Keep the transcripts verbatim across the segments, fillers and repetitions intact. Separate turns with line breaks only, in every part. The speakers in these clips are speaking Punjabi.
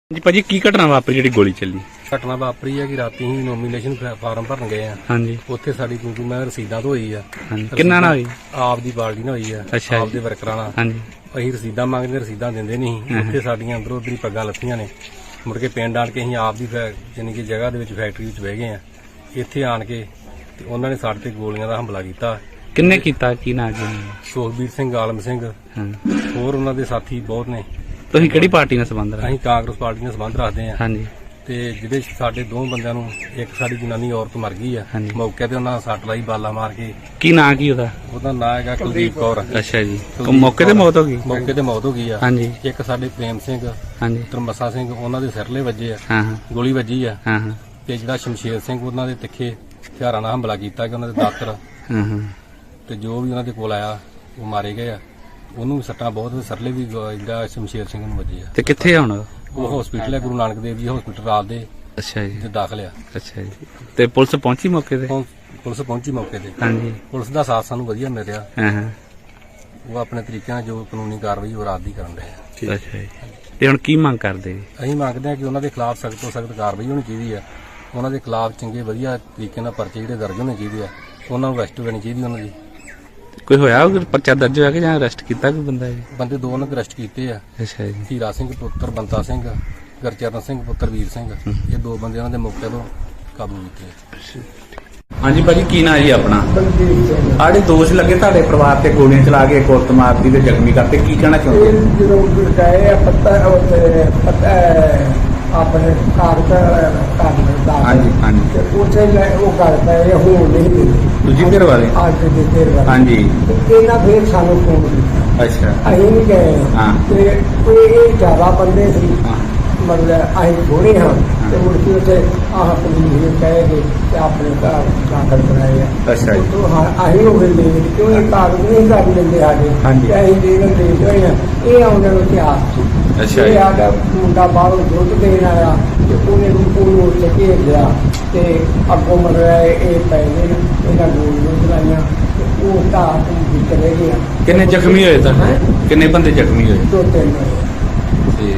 जी भाजी की घटना वापरी जी गोली चली?
घटना वापरी है कि राती ही नोमीनेशन फार्म भरन गए हैं।
हाँ जी।
उत्थे साडी क्योंकि मैं रसीदां तो होई है।
किन्ना ना होई?
आप दी पार्टी ना होई है।
अच्छा
आप दे वर्करां नाल।
हाँ जी।
ਅਸੀਂ ਰਸੀਦਾਂ ਮੰਗਦੇ ਰਸੀਦਾਂ ਦਿੰਦੇ ਨਹੀਂ। ਉੱਥੇ ਸਾਡੀਆਂ ਅੰਦਰੋਂ ਉੱਧਰੀ ਪੱਗਾਂ ਲੱਥੀਆਂ ਨੇ। ਮੁੜ ਕੇ ਪਿੰਡ ਆਣ ਕੇ ਅਸੀਂ ਆਪ ਦੀ ਯਾਨੀ ਕਿ ਜਗ੍ਹਾ ਦੇ ਵਿੱਚ ਫੈਕਟਰੀ ਵਿੱਚ ਬਹਿ ਗਏ ਆ। ਇੱਥੇ ਆਣ ਕੇ ਤੇ ਉਹਨਾਂ ਨੇ ਸਾਡੇ ਤੇ ਗੋਲੀਆਂ ਦਾ ਹਮਲਾ ਕੀਤਾ।
ਕਿੰਨੇ ਕੀਤਾ? ਕੀ ਨਾਂ ਜੀ?
ਸੁਖਬੀਰ ਸਿੰਘ, ਆਲਮ ਸਿੰਘ,
ਹਾਂ,
ਹੋਰ ਉਹਨਾਂ ਦੇ ਸਾਥੀ ਬਹੁਤ ਨੇ।
ਤੁਸੀਂ ਕਿਹੜੀ ਪਾਰਟੀ ਨਾਲ ਸੰਬੰਧ ਰੱਖਦੇ?
ਅਸੀਂ ਕਾਂਗਰਸ ਪਾਰਟੀ ਨਾਲ ਸੰਬੰਧ ਰੱਖਦੇ ਆ।
ਹਾਂ ਜੀ। ਤੇ
ਜਿਹਦੇ ਸਾਡੇ ਦੋ ਬੰਦਿਆਂ ਨੂੰ ਇੱਕ ਸਾਡੀ ਜਨਾਨੀ ਔਰਤ ਮਰ ਗਈ ਆ ਮੌਕੇ ਤੇ, ਉਹਨਾਂ ਸੱਟ ਲਾਈ ਬਾਲਾ ਮਾਰ ਕੇ।
ਕੀ ਨਾਂ ਕੀ ਉਹਦਾ?
ਉਹਦਾ ਨਾਂ ਹੈਗਾ ਕੁਲਦੀਪ ਕੌਰ।
ਅੱਛਾ ਜੀ। ਮੌਕੇ ਤੇ ਮੌਤ ਹੋ ਗਈ?
ਮੌਕੇ ਤੇ ਮੌਤ ਹੋ ਗਈ ਆ।
ਹਾਂਜੀ।
ਇੱਕ ਸਾਡੇ ਪ੍ਰੇਮ ਸਿੰਘ,
ਹਾਂਜੀ,
ਤਰਮੱਸਾ ਸਿੰਘ, ਉਹਨਾਂ ਦੇ ਸਿਰਲੇ ਵੱਜੇ ਆ।
ਹਾਂ ਹਾਂ,
ਗੋਲੀ ਵੱਜੀ ਆ।
ਹਾਂ ਹਾਂ।
ਤੇ ਜਿਹੜਾ ਸ਼ਮਸ਼ੇਰ ਸਿੰਘ, ਉਹਨਾਂ ਦੇ ਤਿੱਖੇ ਹਥਿਆਰਾਂ ਨਾਲ ਹਮਲਾ ਕੀਤਾ ਕਿ ਉਹਨਾਂ ਦੇ ਦਾਤਰ
ਹਾਂ ਹਾਂ,
ਤੇ ਜੋ ਵੀ ਉਹਨਾਂ ਦੇ ਕੋਲ ਆਇਆ ਉਹ ਮਾਰੇ ਗਏ ਆ। ਉਹਨੂੰ ਵੀ ਸੱਟਾਂ ਬਹੁਤ, ਸਿਰਲੇ ਵੀ ਜਿਹੜਾ ਸ਼ਮਸ਼ੇਰ ਸਿੰਘ ਨੂੰ ਵੱਜੇ ਆ।
ਤੇ ਕਿੱਥੇ ਆ ਹੁਣ?
ਉਹ ਹਸਪੀਟਲ ਹੈ, ਗੁਰੂ ਨਾਨਕ ਦੇਵ ਜੀ ਹਸਪੀਟਲ ਰਾਤ ਦੇ।
ਅੱਛਾ ਜੀ।
ਤੇ ਦਾਖਲ ਆ।
ਅੱਛਾ ਜੀ। ਤੇ ਪੁਲਿਸ ਪਹੁੰਚੀ ਮੌਕੇ ਤੇ?
ਹੁਣ ਪੁਲਿਸ ਪਹੁੰਚੀ ਮੌਕੇ ਤੇ।
ਹਾਂਜੀ।
ਪੁਲਿਸ ਦਾ ਸਾਥ ਸਾਨੂੰ ਵਧੀਆ ਮਿਲ ਰਿਹਾ।
ਹਾਂ ਹਾਂ।
ਉਹ ਆਪਣੇ ਤਰੀਕੇ ਨਾਲ ਜੋ ਕਾਨੂੰਨੀ ਕਾਰਵਾਈ ਉਹ ਰਾਤ ਦੀ ਕਰਨ ਰਹੇ ਆ।
ਅੱਛਾ ਜੀ। ਤੇ ਹੁਣ ਕੀ ਮੰਗ ਕਰਦੇ ਜੀ?
ਅਸੀਂ ਮੰਗਦੇ ਹਾਂ ਕਿ ਉਹਨਾਂ ਦੇ ਖਿਲਾਫ ਸਖਤ ਤੋਂ ਸਖਤ ਕਾਰਵਾਈ ਹੋਣੀ ਚਾਹੀਦੀ ਆ। ਉਹਨਾਂ ਦੇ ਖਿਲਾਫ ਚੰਗੇ ਵਧੀਆ ਤਰੀਕੇ ਨਾਲ ਪਰਚੇ ਜਿਹੜੇ ਦਰਜ ਹੋਣੇ ਚਾਹੀਦੇ ਆ। ਉਹਨਾਂ ਨੂੰ ਅਰੈਸਟ ਹੋਣੀ ਚਾਹੀਦੀ ਉਹਨਾਂ ਦੀ।
ਕੋਈ ਹੋਇਆ ਪਰਚਾ ਦਰਜ ਹੋਇਆ ਕਿ ਜਾਂ ਅਰੈਸਟ ਕੀਤਾ ਕੋਈ ਬੰਦਾ ਜੀ?
ਬੰਦੇ ਦੋ ਉਹਨਾਂ ਦੇ ਅਰੈਸਟ ਕੀਤੇ ਆ।
ਅੱਛਾ ਜੀ।
ਹੀਰਾ ਸਿੰਘ ਪੁੱਤਰ ਬੰਤਾ ਸਿੰਘ, ਗੁਰਚਰਨ ਸਿੰਘ ਪੁੱਤਰ ਵੀਰ ਸਿੰਘ, ਇਹ ਦੋ ਬੰਦੇ ਉਹਨਾਂ ਦੇ ਮੌਕੇ ਤੋਂ ਕਾਬੂ ਕੀਤੇ।
ਹਾਂਜੀ ਭਾਜੀ, ਕੀ ਨਾਂ ਜੀ ਆਪਣਾ?
ਬਲਦੀਪ ਸਿੰਘ।
ਆੜੇ ਦੋਸ਼ ਲੱਗੇ ਤੁਹਾਡੇ ਪਰਿਵਾਰ ਤੇ ਗੋਲੀਆਂ ਚਲਾ ਕੇ ਕੁੱਟ ਮਾਰਦੀ ਤੇ ਜ਼ਖਮੀ ਕਰਤੇ, ਕੀ ਕਹਿਣਾ ਚਾਹੁੰਦੇ?
ਇਹ ਜਦੋਂ ਗਏ ਆ ਪੱਤਾ ਉੱਤੇ ਪੱਤਾ ਆਪਣੇ ਕਾਗਜ਼ ਕਾਗਜ਼ ਦਾ
ਹਾਂਜੀ ਹਾਂਜੀ।
ਤੇ ਉੱਥੇ ਲੈ ਉਹ ਗੱਲ ਪਏ ਹੋਣ ਨਹੀਂ ਦਿੰਦੇ।
ਦੂਜੀ ਧਿਰ ਵਾਲੇ?
ਅੱਜ ਦੇ ਦੇਰ ਵਾਲੇ।
ਹਾਂਜੀ।
ਤੇ ਇਹਨਾਂ ਫੇਰ ਸਾਨੂੰ ਫੋਨ ਕੀਤਾ।
ਅੱਛਾ।
ਅਸੀਂ ਵੀ ਗਏ
ਹਾਂ।
ਤੇ ਇਹ ਇਹ ਜ਼ਿਆਦਾ ਬੰਦੇ ਸੀ,
ਹਾਂ।
ਮਤਲਬ ਅਸੀਂ ਥੋੜੇ ਹਾਂ। ਤੇ ਮੁੜ ਕੇ ਉੱਥੇ ਆਹ ਪੁਲਿਸ ਨੂੰ ਕਹਿ ਕੇ ਤੇ ਆਪਣੇ ਘਰ ਦਾਖਲ ਕਰਾਏ ਆ।
ਅੱਛਾ ਜੀ।
ਉੱਥੋਂ ਹਾਂ ਅਸੀਂ ਉਹ ਵੇਲੇ ਕਿਉਂ ਇਹ ਕਾਗਜ਼ ਨਹੀਂ ਕਰ ਲੈਂਦੇ ਸਾਡੇ।
ਹਾਂਜੀ।
ਤੇ ਅਸੀਂ ਦੇ ਦੇ ਹੋਏ ਆ। ਇਹ ਆਉਂਦੇ ਨੂੰ ਇਤਿਹਾਸ ਸੀ।
ਅੱਛਾ
ਇਹ
ਜੀ।
ਸਾਡਾ ਮੁੰਡਾ ਬਾਹਰੋਂ ਦੁੱਧ ਦੇਣ ਆਇਆ ਤੇ ਉਹਨੇ ਨੂੰ ਉਹਨੂੰ ਉੱਥੇ ਘੇਰ ਲਿਆ ਤੇ ਅੱਗੋਂ ਮਤਲਬ ਇਹ ਪੈ ਗਏ ਨੇ, ਇਹਨਾਂ ਗੋਲ ਨੂੰ ਚਲਾਈਆਂ ਤੇ ਉਹ ਤਾਂ ਵੀ ਚਲੇ ਗਿਆ।
ਕਿੰਨੇ ਜ਼ਖਮੀ ਹੋਏ ਤਾਂ? ਕਿੰਨੇ ਬੰਦੇ ਜ਼ਖਮੀ ਹੋਏ?
ਦੋ ਤਿੰਨ ਹੋਏ।
ਤੇ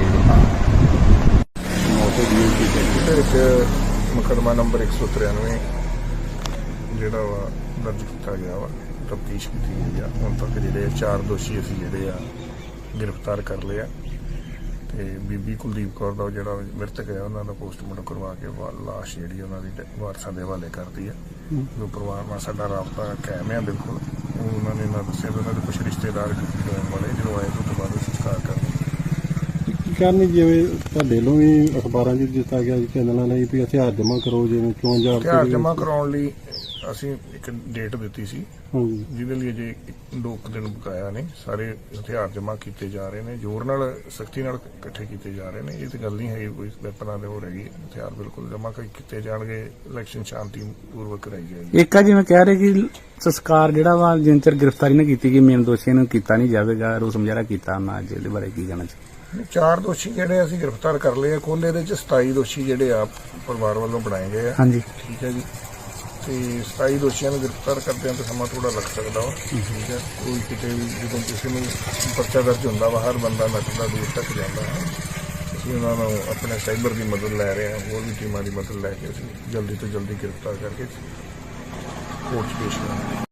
ਵਿੱਚ ਮੁਕੱਦਮਾ ਨੰਬਰ ਇੱਕ ਸੌ ਤਰਾਨਵੇਂ ਜਿਹੜਾ ਵਾ ਦਰਜ ਕੀਤਾ ਗਿਆ ਵਾ, ਤਫਤੀਸ਼ ਕੀਤੀ ਗਈ ਆ। ਹੁਣ ਤੱਕ ਜਿਹੜੇ ਚਾਰ ਦੋਸ਼ੀ ਅਸੀਂ ਜਿਹੜੇ ਆ ਗ੍ਰਿਫਤਾਰ ਕਰ ਲਏ ਆ। ਤੇ ਬੀਬੀ ਕੁਲਦੀਪ ਕੌਰ ਦਾ ਜਿਹੜਾ ਮ੍ਰਿਤਕ ਹੈ ਉਹਨਾਂ ਦਾ ਪੋਸਟਮਾਰਟਮ ਕਰਵਾ ਕੇ ਲਾਸ਼ ਜਿਹੜੀ ਉਹਨਾਂ ਦੀ ਵਾਰਸਾਂ ਦੇ ਹਵਾਲੇ ਕਰਤੀ ਆ। ਜੋ ਪਰਿਵਾਰ ਨਾਲ ਸਾਡਾ ਰਾਬਤਾ ਕਾਇਮ ਆ ਬਿਲਕੁਲ। ਉਹਨਾਂ ਨੇ ਨਾ ਦੱਸਿਆ ਵੀ ਉਹਨਾਂ ਦੇ ਕੁਝ ਰਿਸ਼ਤੇਦਾਰ ਵਾਲੇ ਜਦੋਂ ਆਏ ਤੋਂ ਬਾਅਦ ਸੰਸਕਾਰ ਕਰਦੇ
ਕਰਨੀ। ਜਿਵੇਂ ਤੁਹਾਡੇ ਵੱਲੋਂ ਵੀ ਅਖਬਾਰਾਂ 'ਚ ਦਿੱਤਾ ਗਿਆ ਚੈਨਲਾਂ ਲਈ ਵੀ ਹਥਿਆਰ ਜਮ੍ਹਾਂ ਕਰੋ, ਜਿਵੇਂ ਚੋਣ ਜਾਬਤੇ
ਹਥਿਆਰ ਜਮ੍ਹਾਂ ਕਰਾਉਣ ਲਈ ਅਸੀਂ ਇੱਕ ਡੇਟ ਦਿੱਤੀ ਸੀ,
ਹਾਂਜੀ,
ਜਿਹਦੇ ਲਈ ਅਜੇ ਦੋ ਕੁ ਦਿਨ ਬਕਾਇਆ ਨੇ। ਸਾਰੇ ਹਥਿਆਰ ਜਮ੍ਹਾਂ ਕੀਤੇ ਜਾ ਰਹੇ ਨੇ, ਜ਼ੋਰ ਨਾਲ ਸਖਤੀ ਨਾਲ ਇਕੱਠੇ ਕੀਤੇ ਜਾ ਰਹੇ ਨੇ। ਇਹ ਤਾਂ ਗੱਲ ਨਹੀਂ ਹੈ ਕੋਈ ਵੈਪਨਾਂ ਦੇ ਹੋ ਰਹੀ। ਹਥਿਆਰ ਬਿਲਕੁਲ ਜਮ੍ਹਾਂ ਕੀਤੇ ਜਾਣਗੇ। ਇਲੈਕਸ਼ਨ ਸ਼ਾਂਤੀ ਪੂਰਵਕ ਕਰਾਈ ਜਾਏਗੀ।
ਇੱਕ ਆ ਜਿਵੇਂ ਕਹਿ ਰਹੇ ਕਿ ਸੰਸਕਾਰ ਜਿਹੜਾ ਵਾ ਜਿੰਨ ਚਿਰ ਗ੍ਰਿਫਤਾਰੀ ਨਾ ਕੀਤੀ ਗਈ ਮੇਨ ਦੋਸ਼ੀਆਂ ਨੂੰ ਕੀਤਾ ਨਹੀਂ ਜਾਵੇਗਾ, ਰੋਸ ਮੁਜ਼ਾਹਰਾ ਕੀਤਾ ਉਹਨਾਂ ਅੱਜ ਇਹਦੇ ਬਾਰੇ ਕੀ ਕਹਿਣਾ ਚਾਹੀਦਾ?
ਚਾਰ ਦੋਸ਼ੀ ਜਿਹੜੇ ਅਸੀਂ ਗ੍ਰਿਫਤਾਰ ਕਰ ਲਏ ਆ। ਕੁੱਲ ਇਹਦੇ ਚ ਸਤਾਈ ਦੋਸ਼ੀ ਜਿਹੜੇ ਆ ਪਰਿਵਾਰ ਵੱਲੋਂ ਬਣਾਏ ਗਏ ਆ।
ਹਾਂਜੀ।
ਠੀਕ ਹੈ ਜੀ। ਤੇ ਸਤਾਈ ਦੋਸ਼ੀਆਂ ਨੂੰ ਗ੍ਰਿਫਤਾਰ ਕਰਦਿਆਂ ਤਾਂ ਸਮਾਂ ਥੋੜਾ ਲੱਗ ਸਕਦਾ ਵਾ। ਠੀਕ ਹੈ। ਕੋਈ ਕਿਤੇ ਵੀ ਜਦੋਂ ਕਿਸੇ ਨੂੰ ਪਰਚਾ ਦਰਜ ਹੁੰਦਾ ਵਾ, ਹਰ ਬੰਦਾ ਨੱਚਦਾ ਦੂਰ ਤੱਕ ਜਾਂਦਾ ਹੈ। ਅਸੀਂ ਉਹਨਾਂ ਨੂੰ ਆਪਣੇ ਸਾਈਬਰ ਦੀ ਮਦਦ ਲੈ ਰਹੇ ਹਾਂ, ਹੋਰ ਵੀ ਟੀਮਾਂ ਦੀ ਮਦਦ ਲੈ ਕੇ ਅਸੀਂ ਜਲਦੀ ਤੋਂ ਜਲਦੀ ਗ੍ਰਿਫਤਾਰ ਕਰਕੇ ਕੋਰਟ 'ਚ ਪੇਸ਼ ਕਰਾਂਗੇ।